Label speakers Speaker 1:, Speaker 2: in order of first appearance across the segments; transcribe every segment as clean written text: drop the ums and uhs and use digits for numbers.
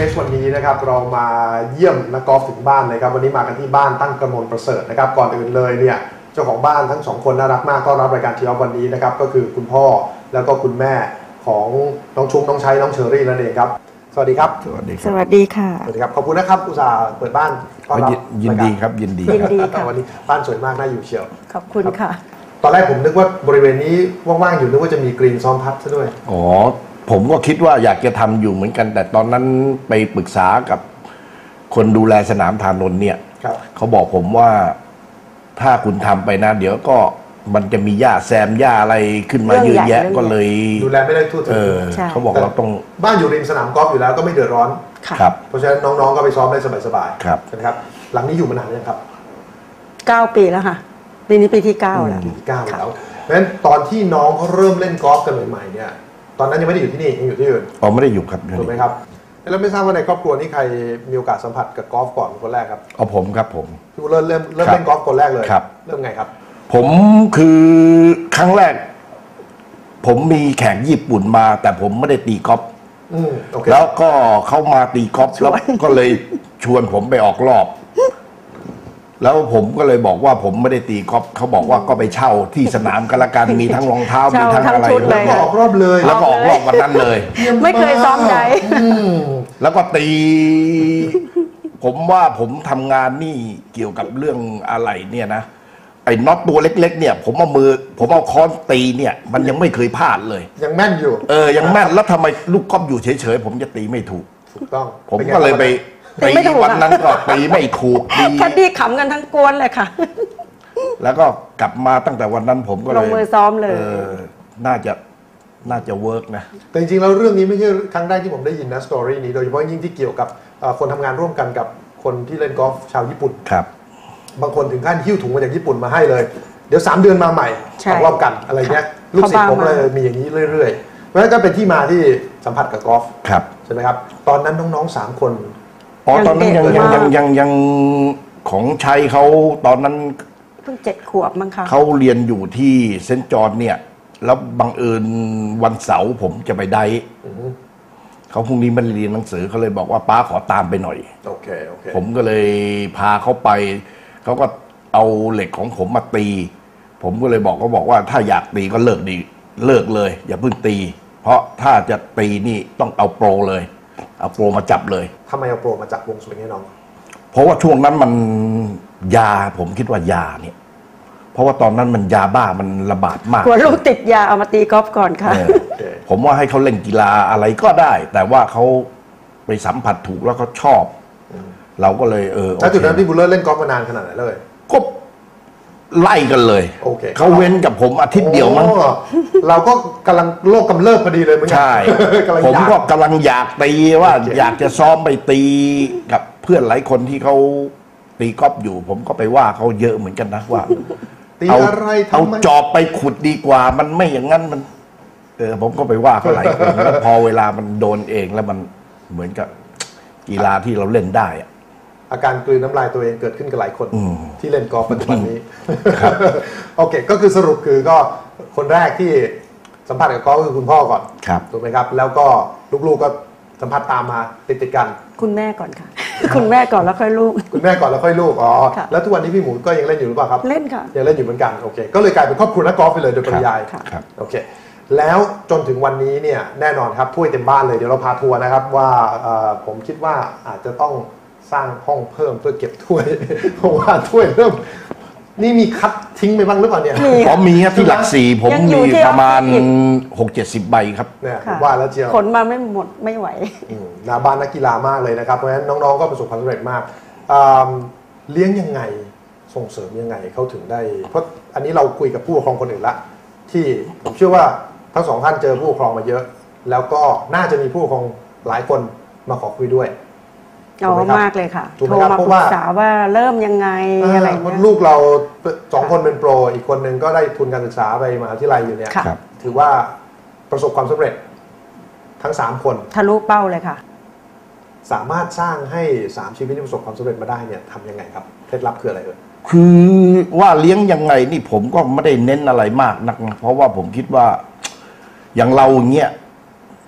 Speaker 1: สวันนี้นะครับเรามาเยี่ยมนักกอล์ฟถึงบ้านเลยครับวันนี้มากันที่บ้านตั้งกระมวลประเสริฐนะครับก่อนอื่นเลยเนี่ยเจ้าของบ้านทั้งสองคนน่ารักมากต้อนรับรายการทีออฟวันนี้นะครับก็คือคุณพ่อแล้วก็คุณแม่ของน้องชุ้งน้องชัยน้องเชอรี่นั่นเองครับสวัสดีครับ
Speaker 2: สวัสดี
Speaker 3: สวัสดีค่ะ
Speaker 1: สวัสดีครับขอบคุณนะครับอุตส่าห์เปิดบ้านต้อนรับ
Speaker 2: ยินดีครับยินดี
Speaker 3: ค่ะ
Speaker 1: วันนี้บ้านสวยมากน่าอยู่เชียว
Speaker 3: ขอบคุณค่ะ
Speaker 1: ตอนแรกผมนึกว่าบริเวณนี้ว่างๆอยู่นึกว่าจะมีกรีนซ้อมพัดซะด้วย
Speaker 2: อ๋อผมก็คิดว่าอยากจะทำอยู่เหมือนกันแต่ตอนนั้นไปปรึกษากับคนดูแลสนามธานนท์เนี่ยเขาบอกผมว่าถ้าคุณทำไปนะเดี๋ยวก็มันจะมีหญ้าแซมหญ้าอะไรขึ้นมาเยอะแยะก็เลย
Speaker 1: ดูแลไม่ได้ทั่วถึง
Speaker 2: เขาบอกเราต้อง
Speaker 1: บ้านอยู่ริมสนามกอล์ฟอยู่แล้วก็ไม่เดือดร้อน
Speaker 2: ครับ
Speaker 1: เพราะฉะนั้นน้องๆก็ไปซ้อมได้สบาย
Speaker 2: ๆครับ
Speaker 1: นะครับหลังนี้อยู่มานานยังครับ
Speaker 3: 9 ปีแล้วค่ะปีนี้ปีที่9แล้ว
Speaker 1: แล้วเพราะฉะนั้นตอนที่น้องเขาเริ่มเล่นกอล์ฟกันใหม่ๆเนี่ยตอนนั้นยังไม่ได้อยู่ที่นี่ยังอยู่ที่อื่น
Speaker 2: อ๋อไม่ได้อยู่ครับ
Speaker 1: ถูกไหมครับแล้วไม่ทราบว่าในครอบครัวนี้ใครมีโอกาสสัมผัสกับกอล์ฟก่อนคนแรกครับ
Speaker 2: อ๋อผมครับผม
Speaker 1: พี่เริ่มเล่นกอล์ฟคนแรกเลย
Speaker 2: ครับ
Speaker 1: เริ่มไงครับ
Speaker 2: ผมคือครั้งแรกผมมีแข่งญี่ปุ่นมาแต่ผมไม่ได้ตีกอล์ฟแล้วก็เข้ามาตีกอล์ฟแล้วก็เลยชวนผมไปออกรอบแล้วผมก็เลยบอกว่าผมไม่ได้ตีกอล์ฟเขาบอกว่าก็ไปเช่าที่สนามกันละกันมีทั้งรองเท้ามีทั้งอะไร
Speaker 1: แล้วก็ออกรอบเลย
Speaker 2: แล้วก็ออกรอบวันนั้นเลย
Speaker 3: ไม่เคยซ้อมใด
Speaker 2: แล้วก็ตีผมว่าผมทำงานนี่เกี่ยวกับเรื่องอะไรเนี่ยนะไอ้น็อตตัวเล็กๆเนี่ยผมเอาค้อนตีเนี่ยมันยังไม่เคยพลาดเลย
Speaker 1: ยังแม่นอยู่
Speaker 2: ยังแม่นแล้วทำไมลูกกอล์ฟอยู่เฉยๆผมจะตีไม่ถูก
Speaker 1: ต้อง
Speaker 2: ผมก็เลยไปตีวันนั้นก็ตีไม่ถูก
Speaker 3: ตีแคดดี้ขำกันทั้งกวนเลยค่ะ
Speaker 2: แล้วก็กลับมาตั้งแต่วันนั้นผมก็เลย
Speaker 3: ลงมือซ้อมเลย
Speaker 2: น่าจะเวิร์กนะ
Speaker 1: แต่จริงๆแล้วเรื่องนี้ไม่ใช่ครั้งแรกที่ผมได้ยินนะสตอรี่นี้โดยเฉพาะยิ่งที่เกี่ยวกับคนทำงานร่วมกันกับคนที่เล่นกอล์ฟชาวญี่ปุ่น
Speaker 2: ครับ
Speaker 1: บางคนถึงขั้นหิ้วถุงมาจากญี่ปุ่นมาให้เลยเดี๋ยว3 เดือนมาใหม่ออกรอบกันอะไรเงี้ยลูกศิษย์ผมเลยมีอย่างนี้เรื่อยๆเพราะฉะนั้นก็เป็นที่มาที่สัมผัสกับกอล์ฟใช่ไหมครับตอนนั้นน้องๆ3 คน
Speaker 2: ตอนนั้นยังของชัยเขาตอนนั้น
Speaker 3: เพิ่ง7 ขวบมั้งคะ
Speaker 2: เขาเรียนอยู่ที่เซนต์จอห์นเนี่ยแล้วบังเอิญวันเสาร์ผมจะไปได้เขาพรุ่งนี้มันเรียนหนังสือเขาเลยบอกว่าป้าขอตามไปหน่อย
Speaker 1: โอเค
Speaker 2: ผมก็เลยพาเขาไปเขาก็เอาเหล็กของผมมาตีผมก็เลยบอกเขาบอกว่าถ้าอยากตีก็เลิกเลยอย่าเพิ่งตีเพราะถ้าจะตีนี่ต้องเอาโปรเลยเอาโปรมาจับเลย
Speaker 1: ทำไมเอาโปรมาจับวงสวิงให้น้อง
Speaker 2: เพราะว่าช่วงนั้นมันยาผมคิดว่ายาเนี่ยเพราะว่าตอนนั้นมันยาบ้ามันระบาดมาก
Speaker 3: กลัวลูกติดยาเอามาตีกอล์ฟก่อนค่ะ
Speaker 2: ผมว่าให้เขาเล่นกีฬาอะไรก็ได้แต่ว่าเขาไปสัมผัสถูกแล้วเขาชอบเราก็เลย
Speaker 1: แล้วจุดนั้นพี่บุลเลอร์เล่นกอล์ฟมานานขนาดไหนเลย
Speaker 2: ก็ไล่กันเลยเขาเว้นกับผมอาทิตย์เดียวมั้ง
Speaker 1: เราก็กำลังโลกกำเริบพอดีเลย
Speaker 2: ใช่ผมก็กำลังอยากตีว่าอยากจะซ้อมไปตีกับเพื่อนหลายคนที่เขาตีกอล์ฟอยู่ผมก็ไปว่าเขาเยอะเหมือนกันนะว่าเอาจอบไปขุดดีกว่ามันไม่อย่างนั้นมันผมก็ไปว่าเขาหลายคนแล้วพอเวลามันโดนเองแล้วมันเหมือนกับกีฬาที่เราเล่นได้
Speaker 1: อาการกลืนน้ำลายตัวเองเกิดขึ้นกับหลายคนที่เล่นกอล์ฟปัจจุบันนี้โอเคก็คือสรุปคือก็คนแรกที่สัมผัสกับกอล์ฟคือคุณพ่อก่อนถูกไหมครับแล้วก็ลูกๆก็สัมผัสตามมาติดกัน
Speaker 3: คุณแม่ก่อนค่ะคุณแม่ก่อนแล้วค่อยลูก
Speaker 1: คุณแม่ก่อนแล้วค่อยลูกแล้วทุกวันนี้พี่หมูก็ยังเล่นอยู่หรือเปล่าครับ
Speaker 3: เล่นค่ะ
Speaker 1: ยังเล่นอยู่เหมือนกันโอเคก็เลยกลายเป็นครอบครัวนักกอล์ฟไปเลยโดยปริยายโอเคแล้วจนถึงวันนี้เนี่ยแน่นอนครับถ้วยเต็มบ้านเลยเดี๋ยวเราพาทัวร์นะครับว่าผมคิดว่าอาจจะต้องสร้างห้องเพิ่มเพื่อเก็บถ้วยเพราะว่าถ้วยเริ่มนี่มีคัดทิ้งไปบ้างหรือเปล่าเนี่ย
Speaker 2: มีครับที่หลัก4ผมมีประมาณ 6-70 ใบครับ
Speaker 1: เนี่ยว่าแล้วเจียว
Speaker 3: ขนมาไม่หมดไม่ไหว
Speaker 1: นาบ้านนักกีฬามากเลยนะครับเพราะฉะนั้นน้องๆก็ประสบความสำเร็จมากเลี้ยงยังไงส่งเสริมยังไงเขาถึงได้เพราะอันนี้เราคุยกับผู้ปกครองคนอื่นละที่ผมเชื่อว่าทั้ง2 ท่านเจอผู้ปกครองมาเยอะแล้วก็น่าจะมีผู้ปกครองหลายคนมาขอคุยด้วย
Speaker 3: มากเลยค่ะโทรมาปรึกษาว่าเริ่มยังไงอะไร
Speaker 1: ลูกเรา2 คนเป็นโปรอีกคนนึงก็ได้ทุนการศึกษาไปมหาวิทยาลัยอยู่เนี่ยถือว่าประสบความสำเร็จทั้ง3 คน
Speaker 3: ทะลุเป้าเลยค่ะ
Speaker 1: สามารถสร้างให้3 ชีวิตที่ประสบความสำเร็จมาได้เนี่ยทำยังไงครับเคล็ดลับคืออะไร
Speaker 2: คือว่าเลี้ยงยังไงนี่ผมก็ไม่ได้เน้นอะไรมากนักเพราะว่าผมคิดว่าอย่างเราเงี้ย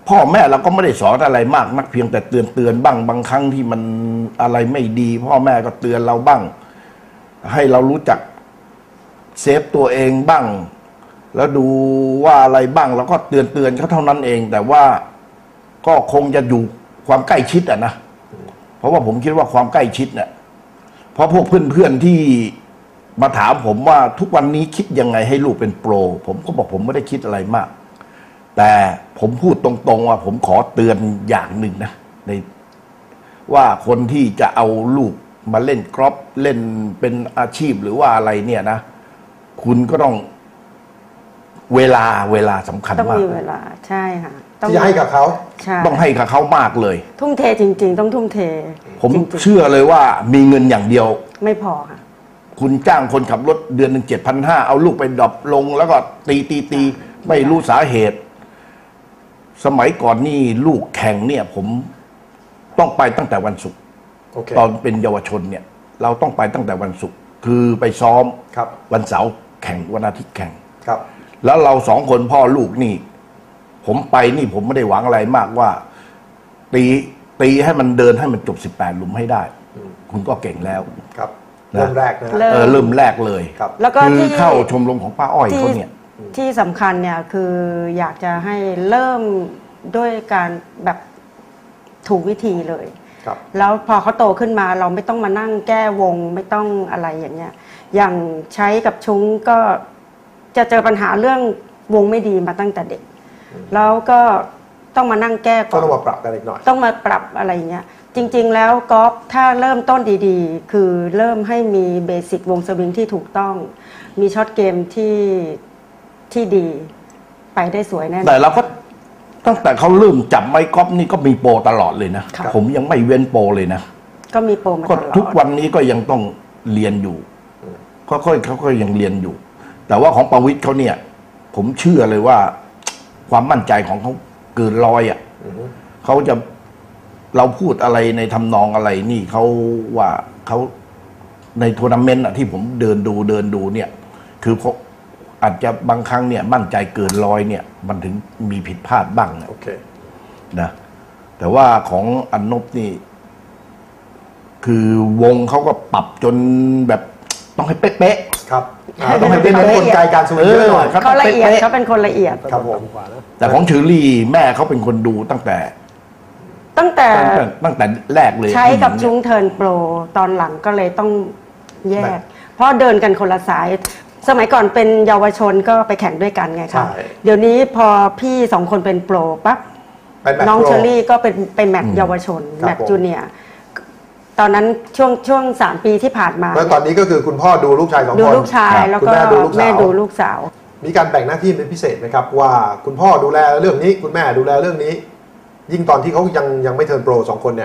Speaker 2: พ่อแม่เราก็ไม่ได้สอนอะไรมากนักเพียงแต่เตือนบ้างบางครั้งที่มันอะไรไม่ดี พ่อแม่ก็เตือนเราบ้าง ให้เรารู้จักเซฟตัวเองบ้าง แล้วดูว่าอะไรบ้างเราก็เตือนเขาเท่านั้นเอง แต่ว่าก็คงจะอยู่ความใกล้ชิดนะเพราะว่าผมคิดว่าความใกล้ชิดเนี่ยเพราะพวกเพื่อนๆที่มาถามผมว่าทุกวันนี้คิดยังไงให้ลูกเป็นโปรผมก็บอกผมไม่ได้คิดอะไรมาก แต่ผมพูดตรงๆว่าผมขอเตือนอย่างหนึ่งนะในว่าคนที่จะเอาลูกมาเล่นกอล์ฟเล่นเป็นอาชีพหรือว่าอะไรเนี่ยนะคุณก็ต้องเวลาสำคัญ
Speaker 3: ต้อง
Speaker 2: มาก
Speaker 3: มีเวลาใช่ค่ะ
Speaker 1: ที่จะให้กับเขา
Speaker 3: ใช่
Speaker 2: ต้องให้กับเขามากเลย
Speaker 3: ทุ่มเทจริง ๆ ต้องทุ่มเท
Speaker 2: ผม
Speaker 3: จริง
Speaker 2: เชื่อเลยว่ามีเงินอย่างเดียว
Speaker 3: ๆไม่พอค่ะ
Speaker 2: คุณจ้างคนขับรถเดือนหนึ่ง7,500เอาลูกไปดรอปลง แล้วก็ตีไม่รู้สาเหตุ สมัยก่อนนี่ลูกแข่งเนี่ย ผมต้องไปตั้งแต่วันศุกร์
Speaker 1: โอเค
Speaker 2: ตอนเป็นเยาวชนเนี่ย เราต้องไปตั้งแต่วันศุกร์คือไปซ้อม
Speaker 1: ครับ
Speaker 2: วันเสาร์แข่งวันอาทิตย์แข่ง
Speaker 1: ครับ
Speaker 2: แล้วเราสองคนพ่อลูกนี่ ผมไปนี่ผมไม่ได้หวังอะไรมากว่า ตีให้มันเดินให้มันจบ18หลุมให้ได้ คุณก็เก่งแล้ว
Speaker 1: ครับ
Speaker 2: นะ
Speaker 1: เริ่มแรกนะ
Speaker 3: เริ่
Speaker 2: เริ่มแรกเลย
Speaker 1: ครับ
Speaker 3: แล้วก็
Speaker 2: คือ
Speaker 3: ที่
Speaker 2: เข้าชมรมของป้าอ้อย
Speaker 3: ที่
Speaker 2: เขาเนี่ย
Speaker 3: ที่สำคัญเนี่ยคืออยากจะให้เริ่มด้วยการแบบถูกวิธีเลย
Speaker 1: ครับ
Speaker 3: แล้วพอเขาโตขึ้นมาเราไม่ต้องมานั่งแก้วงไม่ต้องอะไรอย่างเงี้ย อย่างใช้กับชุ้งก็จะเจอปัญหาเรื่องวงไม่ดีมาตั้งแต่เด็ก แล้วก็ต้องมานั่งแก้ก่
Speaker 1: ก็
Speaker 3: อน
Speaker 1: ต้องมาปรับกันอีกหน่อย
Speaker 3: ต้องมาปรับอะไรอย่างเงี้ย จริง ๆ แล้วกอล์ฟถ้าเริ่มต้นดีๆ คือเริ่มให้มีเบสิกวงสวิงที่ถูกต้อง มีช็อตเกมที่ดีไปได้สวยแน่นอน
Speaker 2: แต่เราก็ตั้งแต่เขาเริ่มจับไม้กอล์ฟนี่ก็มีโปรตลอดเลยนะ
Speaker 3: ครับ
Speaker 2: ผมยังไม่เว้นโปรเลยนะ
Speaker 3: ก็มีโปรมา
Speaker 2: ก็
Speaker 3: ตลอด
Speaker 2: ทุกวันนี้ก็ยังต้องเรียนอยู่เขาก็ยังเรียนอยู่ แต่ว่าของประวิตรเขาเนี่ย ผมเชื่อเลยว่า ความมั่นใจของเขาเกินร้อยอ่ะเขาจะเราพูดอะไรในทำนองอะไรนี่เขาว่าเขาในทัวร์นาเมนต์ที่ผมเดินดูเนี่ย คือเขาอาจจะบางครั้งเนี่ย มั่นใจเกินร้อยเนี่ย มันถึงมีผิดพลาดบ้างนะ
Speaker 1: โอเค
Speaker 2: นะแต่ว่าของอันนบนี่ คือวงเขาก็ปรับจนแบบต้องให้เป๊ะ
Speaker 1: ครับต้องให้เป็นกลไกการสวิงเยอะหน่อย
Speaker 2: ครับ
Speaker 3: เขาละเอียด
Speaker 2: เป๊ะๆ
Speaker 3: เขาเป็นคนละเอียด
Speaker 1: ครับผม
Speaker 2: แต่ของเชอรี่แม่เขาเป็นคนดูตั้งแต่
Speaker 3: ตั้งแต่
Speaker 2: แรกเลย
Speaker 3: ใช้กับชุ้งเทิร์นโปรตอนหลังก็เลยต้องแยก เพราะเดินกันคนละสาย สมัยก่อนเป็นเยาวชนก็ไปแข่งด้วยกันไง
Speaker 1: ใช่
Speaker 3: คะเดี๋ยวนี้พอพี่สองคนเป็นโปรปั๊บ
Speaker 1: เป็นแมตช์
Speaker 3: น้อง
Speaker 1: โปร
Speaker 3: เชอรี่ก็เป็นไปแมตช์เยาวชน
Speaker 1: ครับ
Speaker 3: แมตช์
Speaker 1: ผม
Speaker 3: จูเนียร์ตอนนั้นช่วง3 ปีที่ผ่านมา
Speaker 1: แล้วตอนนี้ก็คือคุณพ่อดูลูกชาย2
Speaker 3: ดู
Speaker 1: คน
Speaker 3: ลูกชาย
Speaker 2: ครับ
Speaker 3: แล้ว
Speaker 1: คุณ
Speaker 3: ก็
Speaker 1: แม่ดูลูกสาว
Speaker 3: แม่ดูลูกสาว
Speaker 1: มีการแบ่งหน้าที่เป็นพิเศษไหมครับ ว่าคุณพ่อดูแลเรื่องนี้ คุณแม่ดูแลเรื่องนี้ ยิ่งตอนที่เขายังไม่เทิร์นโปร2 คนเนี่ย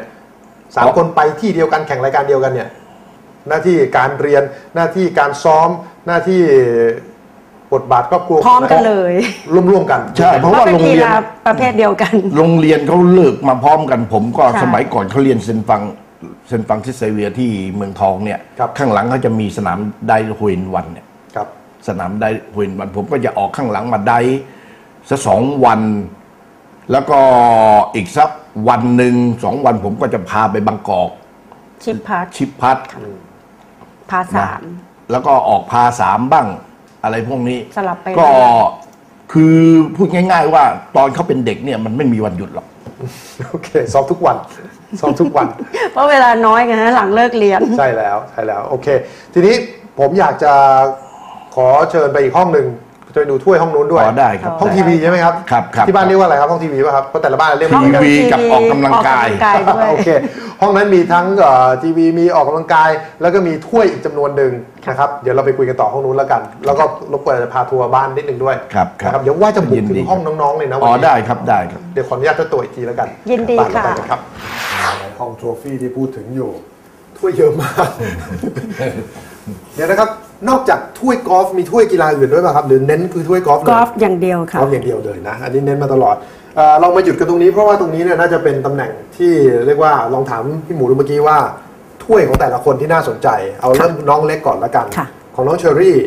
Speaker 1: 3 คนไปที่เดียวกันแข่งรายการเดียวกันเนี่ย หน้าที่การเรียนหน้าที่การซ้อมหน้าที่บทบาทครอบครัว
Speaker 3: พร้อมกันเลย
Speaker 1: ร่วมกัน
Speaker 2: ใช่เพราะว่า
Speaker 3: เป็น
Speaker 2: โรง
Speaker 3: กี
Speaker 2: เรียน
Speaker 3: ฬาประเภทเดียวกัน
Speaker 2: โรงเรียนเขาเลิกมาพร้อมกัน ผมก็
Speaker 3: ใช่
Speaker 2: สมัยก่อนเขาเรียนเซนฟังที่เซเวียที่เมืองทองเนี่ย ข้างหลังเขาจะมีสนามไดฮุยนวันเนี่ย
Speaker 1: ครับ
Speaker 2: สนามไดฮุยนวัน ผมก็จะออกข้างหลังมาไดสัก2 วัน แล้วก็อีกสักวันหนึ่ง2 วัน ผมก็จะพาไปบางกอก
Speaker 3: ชิปพัท
Speaker 2: ชิปพัท
Speaker 3: พาสาม
Speaker 2: แล้วก็ออกพา3บ้าง อะไรพวกนี้
Speaker 3: สลับไป
Speaker 2: ก็คือพูดง่าย ๆ ว่าตอนเขาเป็นเด็กเนี่ยมันไม่มีวันหยุดหรอก
Speaker 1: โอเคซ้อมทุกวันซ้อมทุกวัน
Speaker 3: เพราะเวลาน้อยไงฮะหลังเลิกเรียน
Speaker 1: ใช่แล้วโอเค ทีนี้ผมอยากจะขอเชิญไปอีกห้องหนึ่งจะไปดูถ้วยห้องนู้นด้วย
Speaker 2: อ๋อได้ครับ
Speaker 1: ห้องทีวีใช่ไหมครับ
Speaker 2: ครับ
Speaker 1: ที่บ้านเรียกว่าอะไรครับห้องทีวีป่ะครับเพราะแต่ละบ้านเรียก
Speaker 2: ห้
Speaker 1: ไม่
Speaker 2: อง
Speaker 1: เหมือนกัน
Speaker 2: ทีวีกับออกกำลังกาย
Speaker 3: ด้วย
Speaker 1: โอเค ห้องนั้นมีทั้งทีวีมีออกกำลังกาย แล้วก็มีถ้วยอีกจำนวนหนึ่งนะครับเดี๋ยวเราไปคุยกันต่อห้องนู้นแล้วกัน แล้วก็รบกวนจะพาทัวร์บ้านนิดนึงด้วย
Speaker 2: ครับ
Speaker 1: นะครับเดี๋ยวว่าจะบุก
Speaker 2: ยิน
Speaker 1: ถึ
Speaker 2: ดี
Speaker 1: งห้องน้องๆเลยนะ
Speaker 2: อ๋
Speaker 1: วั
Speaker 2: อน
Speaker 1: นี้
Speaker 2: ได้ครับได้ครับ
Speaker 1: เดี๋ยวขออนุญาตเจ้าตัวอีกทีแล้วกัน
Speaker 3: ยินดี
Speaker 1: ตามเรา
Speaker 3: ค่ะ
Speaker 1: ไปกันครับห้องโทรฟี่ที่พูดถึงอยู่ ถ้วยเยอะมาก เดี๋ยวนะครับนอกจากถ้วยกอล์ฟมีถ้วยกีฬาอื่นด้วยป่ะครับหรือเน้นคือถ้วยกอล์ฟเลย
Speaker 3: กอล์ฟอย่างเดียว
Speaker 1: ก
Speaker 3: ค่ะ
Speaker 1: อล์ฟอย่างเดียวเลยนะอันนี้เน้นมาตลอดเรามาหยุดกันตรงนี้เพราะว่าตรงนี้เนี่ยน่าจะเป็นตำแหน่งที่เรียกว่าลองถามพี่หมูดูเมื่อกี้ว่าถ้วยของแต่ละคนที่น่าสนใจ เอาเริ่มน้องเล็กก่อนละกัน
Speaker 3: ค่ะ
Speaker 1: ของน้องเชอรี่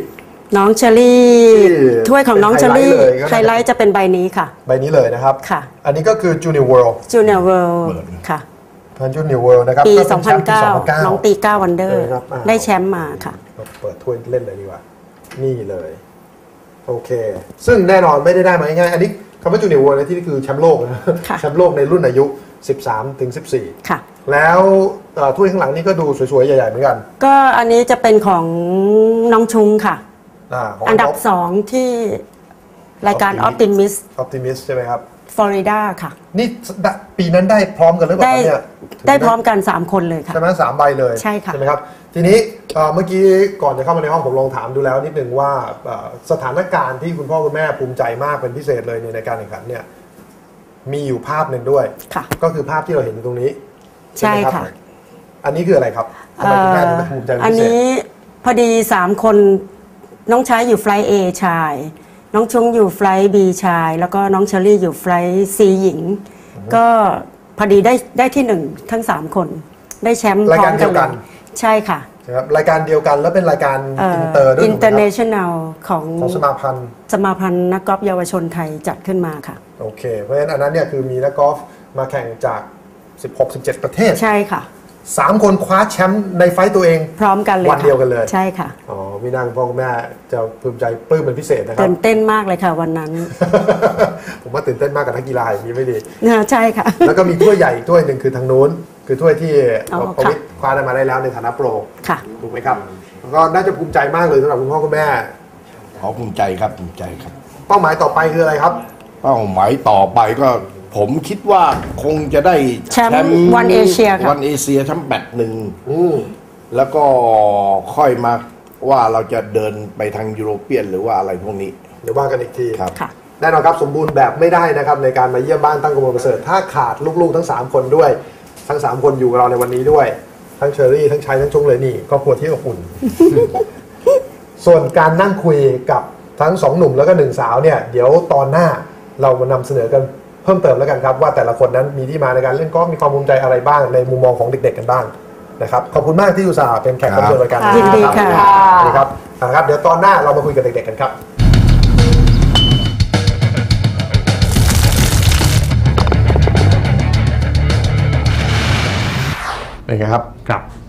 Speaker 3: น้องเชอรี่
Speaker 1: ที่
Speaker 3: ถ้วยของน้องเชอรี่
Speaker 1: เป็นไฮ
Speaker 3: ไฮ
Speaker 1: ไล
Speaker 3: ไล
Speaker 1: ท์เลย
Speaker 3: ท์จะเป็นใบนี้ค่ะ
Speaker 1: ใบนี้เลยนะครับ
Speaker 3: ค่ะ
Speaker 1: อันนี้ก็คือ Junior World
Speaker 3: Junior World ค่ะ
Speaker 1: Junior World นะครับ
Speaker 3: ปี
Speaker 1: ก็เป็นแชมป์ปี
Speaker 3: 2009 น้องตี9วันเดอร์
Speaker 1: ครับอ่า
Speaker 3: ได้แชมป์มาค่ะ
Speaker 1: เปิดถ้วยเล่นเลยดีกว่า นี่เลย โอเค ซึ่งแน่นอนไม่ได้มาง่ายๆอันนี้คำว่า Junior World ในที่นี่คือแชมป์โลกนะ
Speaker 3: ค่ะ
Speaker 1: แชมป์โลกในรุ่นอายุ 13 ถึง 14
Speaker 3: ค่ะ
Speaker 1: แล้วถ้วยข้างหลังนี่ก็ดูสวยๆ ใหญ่ๆ เหมือนกัน
Speaker 3: ก็อันนี้จะเป็นของน้องชุงค่ะ
Speaker 1: ของ
Speaker 3: อันดับ 2 ที่รายการ Optimist
Speaker 1: Optimist ใช่ไหมครับ
Speaker 3: Florida ค่ะ
Speaker 1: นี่ปีนั้นได้พร้อมกันหรือเปล่า
Speaker 3: ได้
Speaker 1: ครับเนี่ย
Speaker 3: ได้พร้อมกัน 3 คนเลยค่ะ
Speaker 1: ใช่ไหม3 ใบเลย
Speaker 3: ใช่ค่ะ
Speaker 1: ไหมครับ ทีนี้เมื่อกี้ก่อนจะเข้ามาในห้องผมลองถามดูแล้วนิดนึงว่าสถานการณ์ที่คุณพ่อคุณแม่ภูมิใจมากเป็นพิเศษเลยในการแข่งขันเนี่ยมีอยู่ภาพหนึ่งด้วย
Speaker 3: ค่ะ
Speaker 1: ก็คือภาพที่เราเห็นอยู่ตรงนี้
Speaker 3: ใช่
Speaker 1: ไหมรับ
Speaker 3: ค่ะ
Speaker 1: อันนี้คืออะไรครับทำไมคุณแม่ถึงภูมิใจเป็น
Speaker 3: อัน
Speaker 1: พิเศษ
Speaker 3: นี้พอดี 3 คนน้องชายอยู่ไฟล์ A ชาย น้องชุงอยู่ไฟล์ B ชาย แล้วก็น้องเชอรี่อยู่ไฟล์ C หญิง ก็พอดีได้ที่ 1 ทั้ง 3 คน ได้แชมป์
Speaker 1: ราย
Speaker 3: พร้อ
Speaker 1: การ
Speaker 3: ม
Speaker 1: เดี
Speaker 3: กั
Speaker 1: ย
Speaker 3: น
Speaker 1: วกัน
Speaker 3: ใช่ค่ะ
Speaker 1: นะครับรายการเดียวกันแล้วเป็นรายการอินเตอร์ด้วยถูกไหมครับ
Speaker 3: International ของ
Speaker 1: ของสมาพันธ์
Speaker 3: สมาพันธ์นักกอล์ฟเยาวชนไทยจัดขึ้นมาค่ะ
Speaker 1: โอเค เพราะฉะนั้นอันนั้นเนี่ยคือมีนักกอล์ฟมาแข่งจาก 16-17 ประเทศ
Speaker 3: ใช่ค่ะ
Speaker 1: 3 คนคว้าแชมป์ในไฟต์ตัวเอง
Speaker 3: พร้อมกันเลย
Speaker 1: วันเดียวกันเลย
Speaker 3: ใช่ค่ะ
Speaker 1: อ๋อมีนางพ่อคุณแม่จะภูมิใจปลื้มเป็นพิเศษนะครั
Speaker 3: ตื่
Speaker 1: บ
Speaker 3: นเต้นมากเลยค่ะวันนั้น
Speaker 1: ผมว่าตื่นเต้นมากกับนักกีฬาอย่างนี้ไม่ดี
Speaker 3: ใช่ค่ะ
Speaker 1: แล้วก็มีถ้วยใหญ่อีกถ้วยหนึ่งคือทางนู้น คือถ้วยที่
Speaker 3: อ๋อ
Speaker 1: ประวิตรคว้าได้มาได้แล้วในฐานะโปร
Speaker 3: ค่ะ
Speaker 1: ถูกไหมครับแล้วก็น่าจะภูมิใจมากเลยสำหรับคุณพ่อคุณแม่
Speaker 2: ขอภูมิใจครับภูมิใจครับ
Speaker 1: เป้าหมายต่อไปคืออะไรครับ
Speaker 2: เป้าหมายต่อไปก็ผมคิดว่าคงจะได้
Speaker 3: แชมป์ One Asia ค่ะ
Speaker 2: วันเอเชียแชมป์แบตหนึ่ง
Speaker 1: อืม
Speaker 2: แล้วก็ค่อยมาว่าเราจะเดินไปทางยุโรเปียนหรือว่าอะไรพวกนี้
Speaker 1: เดี๋ยวว่ากันอีกที
Speaker 2: ครับ
Speaker 3: ค่ะ
Speaker 1: แน่นอนครับสมบูรณ์แบบไม่ได้นะครับในการมาเยี่ยมบ้านตั้งกรมประเสริฐถ้าขาดลูกๆทั้ง 3 คนด้วย ทั้ง 3 คนอยู่กับเราในวันนี้ด้วย ทั้งเชอรี่ทั้งชายทั้งชงเลยนี่ครอบครัวที่อบอุ่น ส่วนการนั่งคุยกับทั้ง 2 หนุ่มแล้วก็ 1 สาวเนี่ยเดี๋ยวตอนหน้าเรามานำเสนอกันเพิ่มเติมแล้วกันครับว่าแต่ละคนนั้นมีที่มาในการเล่นกอล์ฟมีความภูมิใจอะไรบ้างในมุมมองของเด็กๆกันบ้างนะครับขอบคุณมากที่อุตส่าห์เป็นแขกรับเชิญรายการ
Speaker 3: ยินดีค่ะ
Speaker 1: สวัสดีครับนะครับเดี๋ยวตอนหน้าเรามาคุยกับเด็กๆกันครับเป็นไงครับ
Speaker 4: ครับ